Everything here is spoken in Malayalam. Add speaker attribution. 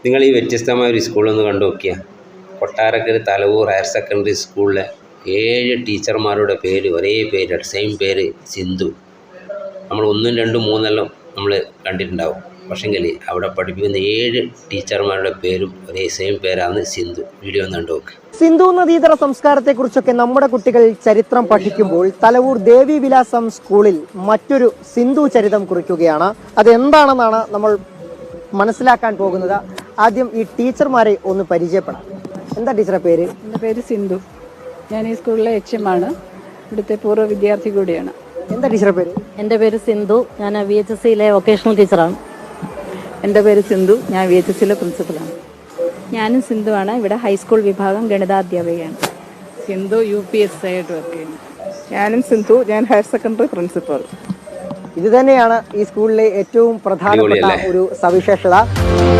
Speaker 1: നിങ്ങൾ ഈ വ്യത്യസ്തമായ ഒരു സ്കൂളൊന്ന് കണ്ടു നോക്കിയാൽ കൊട്ടാരക്കര തലവൂർ ഹയർ സെക്കൻഡറി സ്കൂളിലെ 7 ടീച്ചർമാരുടെ പേര് ഒരേ പേര്, സെയിം പേര് സിന്ധു. നമ്മൾ 1, 2, 3 നമ്മൾ കണ്ടിട്ടുണ്ടാവും. പക്ഷെങ്കിൽ അവിടെ പഠിപ്പിക്കുന്ന 7 ടീച്ചർമാരുടെ പേരും ഒരേ സെയിം പേരാണ് സിന്ധു. വീഡിയോ ഒന്ന് കണ്ടു നോക്ക്.
Speaker 2: സിന്ധു നദീതര സംസ്കാരത്തെക്കുറിച്ചൊക്കെ നമ്മുടെ കുട്ടികൾ ചരിത്രം പഠിക്കുമ്പോൾ തലവൂർ ദേവി വിലാസം സ്കൂളിൽ മറ്റൊരു സിന്ധു ചരിതം കുറിക്കുകയാണ്. അതെന്താണെന്നാണ് നമ്മൾ മനസ്സിലാക്കാൻ പോകുന്നത്. ആദ്യം ഈ ടീച്ചർമാരെ ഒന്ന് പരിചയപ്പെടാം. എന്താ ടീച്ചറെ പേര്?
Speaker 3: എൻ്റെ പേര് സിന്ധു. ഞാൻ ഈ സ്കൂളിലെ HM ആണ്. ഇവിടുത്തെ പൂർവ്വ വിദ്യാർത്ഥി കൂടിയാണ്.
Speaker 2: എന്താ ടീച്ചറെ പേര്?
Speaker 4: എൻ്റെ പേര് സിന്ധു. ഞാൻ VHSCയിലെ വൊക്കേഷണൽ ടീച്ചറാണ്.
Speaker 3: എൻ്റെ പേര് സിന്ധു. ഞാൻ VHSCയിലെ പ്രിൻസിപ്പലാണ്.
Speaker 5: ഞാനും സിന്ധുവാണ്. ഇവിടെ ഹൈസ്കൂൾ വിഭാഗം ഗണിതാധ്യാപികയാണ്.
Speaker 3: സിന്ധു UPSC ആയിട്ട് വർക്ക് ചെയ്യുന്നു. ഞാനും സിന്ധു. ഞാൻ ഹയർ സെക്കൻഡറി പ്രിൻസിപ്പൽ.
Speaker 2: ഇത് തന്നെയാണ് ഈ സ്കൂളിലെ ഏറ്റവും പ്രധാനപ്പെട്ട ഒരു സവിശേഷത.